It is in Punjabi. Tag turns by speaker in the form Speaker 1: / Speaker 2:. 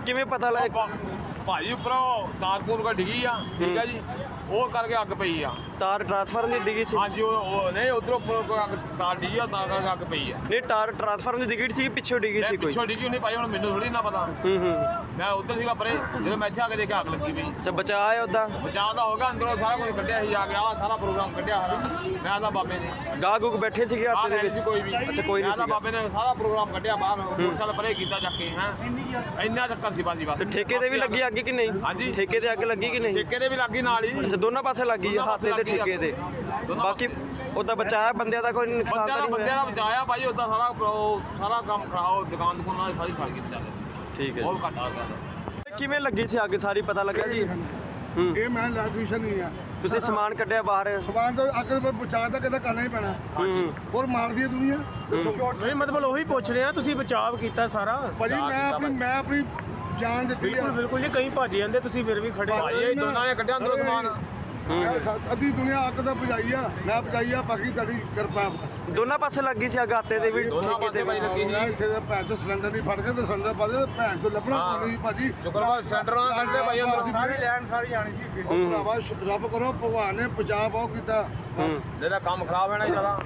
Speaker 1: ਕਿਵੇਂ ਪਤਾ ਲੱਗਾ?
Speaker 2: ਭਾਜੀ ਉੱਪਰੋਂ ਤਾਰਪੂਰ ਕਾ ਡਿੱਗੀ ਆ, ਠੀਕ ਆ ਜੀ, ਉਹ ਕਰਕੇ ਅੱਗ ਪਈ ਆ।
Speaker 1: ਤਾਰ ਟਰਾਂਸਫਾਰਮ ਦੀ ਡਿੱਗੀ ਸੀ?
Speaker 2: ਹਾਂਜੀ ਉਹ ਨਹੀਂ ਉਧਰੋਂ ਅੱਗ ਤਾਰ ਡਿੱਗੀ ਆ, ਤਾਂ ਕਰਕੇ ਅੱਗ ਪਈ ਆ।
Speaker 1: ਨਹੀਂ ਤਾਰ ਟਰਾਂਸਫਾਰਮ ਦੀ ਡਿੱਗੀ ਸੀ, ਪਿੱਛੋਂ ਡਿੱਗੀ ਸੀ ਕੋਈ?
Speaker 2: ਪਿੱਛੋਂ ਡਿੱਗੀ ਨਹੀਂ ਭਾਈ, ਹੁਣ ਮੈਨੂੰ ਥੋੜੀ ਨਾ ਪਤਾ। ਮੈਂ ਉੱਧਰ ਸੀਗਾ ਪਰੇ, ਜਦੋਂ ਮੈਂ ਇੱਥੇ ਆ ਕੇ ਦੇਖਿਆ ਅੱਗ ਲੱਗੀ ਪਈ।
Speaker 1: ਅੱਛਾ ਬਚਾਅ ਹੈ ਉਹਦਾ?
Speaker 2: ਬਚਾਅ ਦਾ ਹੋ ਗਿਆ, ਅੰਦਰੋਂ ਸਾਰਾ ਕੁਝ ਕੱਢਿਆ ਸੀ, ਆ ਗਿਆ ਸਾਰਾ ਪ੍ਰੋਗਰਾਮ ਕੱਢਿਆ ਸਾਰਾ। ਮੈਂ ਤਾਂ ਬਾਬੇ ਨੇ
Speaker 1: ਗਾਹ ਗੁੱਗ ਬੈਠੇ ਸੀਗੇ ਹੱਥ ਦੇ ਵਿੱਚ?
Speaker 2: ਕੋਈ ਵੀ
Speaker 1: ਅੱਛਾ ਕੋਈ ਨਹੀਂ
Speaker 2: ਮੈਂ ਤਾਂ
Speaker 1: ਸੀਗਾ।
Speaker 2: ਬਾਬੇ ਨੇ ਸਾਰਾ ਪ੍ਰੋਗਰਾਮ ਕੱਢਿਆ ਬਾਹਰ, ਮੋਟਰਸਾਈਕਲ ਪਰੇ ਕੀਤਾ ਚੱਕ ਕੇ। ਹੈ ਇੰਨਾ ਚੱਕਰ ਸੀ ਬਾਜੀ ਬਸ।
Speaker 1: ਤੇ ਠੇਕੇ ਤੇ ਵੀ ਲੱਗੀ ਅੱਗ ਕਿ ਨਹੀਂ?
Speaker 2: ਹਾਂਜੀ
Speaker 1: ਠੇਕੇ ਤੇ ਅੱਗ ਲੱਗੀ ਕਿ ਨਹੀਂ?
Speaker 2: ਠੇਕੇ ਦੇ ਵੀ ਲੱਗੀ ਨਾਲ ਹੀ।
Speaker 1: ਅੱਛਾ ਦੋਨਾਂ ਪਾਸੇ ਲੱਗੀ ਆ, ਹੱਥ ਤੇ ਠੇਕੇ ਤੇ? ਬਾਕੀ ਉਹਦਾ ਬਚਾਇਆ ਬੰਦਿਆਂ ਦਾ ਕੋਈ ਨੁਕਸਾਨ ਤਾਂ ਨਹੀਂ
Speaker 2: ਬੰਦਿਆਂ ਦਾ
Speaker 1: ਹੋਇਆ?
Speaker 2: ਬਚਾਇਆ ਭਾਈ, ਉਦਾਂ ਸਾਰਾ ਕੰਮ ਖਰਾਬ, ਦੁਕਾਨ ਦੁਕਾਨਾਂ ਸਾਰੀ ਸੜ ਗਈ ਵਿਚਾਰੇ।
Speaker 1: ਠੀਕ ਹੈ
Speaker 2: ਬਹੁਤ ਘੱਟ ਆ ਗਿਆ।
Speaker 1: ਕਿਵੇਂ ਲੱਗੀ ਸੀ ਅੱਗ ਸਾਰੀ ਪਤਾ ਲੱਗਾ ਜੀ?
Speaker 3: ਇਹ ਮੈਂ ਇਲੈਕਟ੍ਰੀਸ਼ੀਅਨ ਨਹੀਂ ਆ।
Speaker 1: ਤੁਸੀਂ ਸਮਾਨ ਕੱਢਿਆ ਬਾਹਰ?
Speaker 3: ਸਮਾਨ ਤੋਂ ਅੱਗ ਤੋਂ ਬਚਾਅ ਤਾਂ ਕਿਤੇ ਕਰਨਾ ਹੀ ਪੈਣਾ। ਹੋਰ ਮਾਰਦੀ ਹੈ ਦੁਨੀਆ।
Speaker 4: ਨਹੀਂ ਮਤਲਬ ਉਹੀ ਪੁੱਛ ਰਹੇ ਆ, ਤੁਸੀਂ ਬਚਾਅ ਕੀਤਾ ਸਾਰਾ?
Speaker 3: ਭਾਜੀ ਮੈਂ ਆਪਣੀ ਜਾਨ ਦਿੱਤੀ ਆ।
Speaker 4: ਬਿਲਕੁਲ ਜੀ, ਕਈ ਭੱਜ ਜਾਂਦੇ, ਤੁਸੀਂ ਫਿਰ ਵੀ ਖੜੇ ਆ।
Speaker 2: ਭਾਈ ਇਹ ਦੋਨਾਂ ਨੇ ਕੱਢਿਆ ਅੰਦਰੋਂ ਸਮਾਨ।
Speaker 3: ਅੱਧੀ ਦੁਨੀਆ ਅੱਗ ਤਾਂ ਬੁਝਾਈ ਆ, ਮੈਂ ਬੁਝਾਈ ਆ, ਬਾਕੀ ਤੁਹਾਡੀ ਕਿਰਪਾ।
Speaker 1: ਦੋਨਾਂ ਪਾਸੇ ਲੱਗੀ ਸੀ ਅੱਗ, ਆਤੇ ਦੇ ਵੀ
Speaker 2: ਦੋਨਾਂ
Speaker 1: ਠੇਕੇ
Speaker 2: ਪਾਸੇ
Speaker 1: ਤੇ
Speaker 2: ਭਾਈ
Speaker 1: ਵੀ?
Speaker 2: ਲੱਗੀ ਸੀ।
Speaker 3: ਇੱਥੇ ਤਾਂ ਭੈਣ ਤੋਂ ਸਿਲੰਡਰ ਨਹੀਂ ਫੜ ਕੇ ਤੇ ਸਿਲੰਡਰ ਪਾ ਦੇ, ਭੈਣ ਤੋਂ ਲੱਭਣਾ ਨਹੀਂ ਭਾਜੀ।
Speaker 2: ਸ਼ੁਕਰਵਾਰ ਸਿਲੰਡਰ ਨਾਲ ਕੱਢਦੇ ਭਾਈ ਅੰਦਰੋਂ।
Speaker 3: ਸਾਰੀ
Speaker 4: ਲੈਣ ਸਾਰੀ ਆਣੀ ਸੀ।
Speaker 3: ਭਰਾਵਾ ਰੱਬ ਕਰੋ, ਭਗਵਾਨ ਨੇ ਬਚਾਅ ਬਹੁਤ ਕੀਤਾ।
Speaker 2: ਜਿਹੜਾ ਕੰਮ ਖਰਾਬ ਹੋਣਾ ਜ਼ਿਆਦਾ।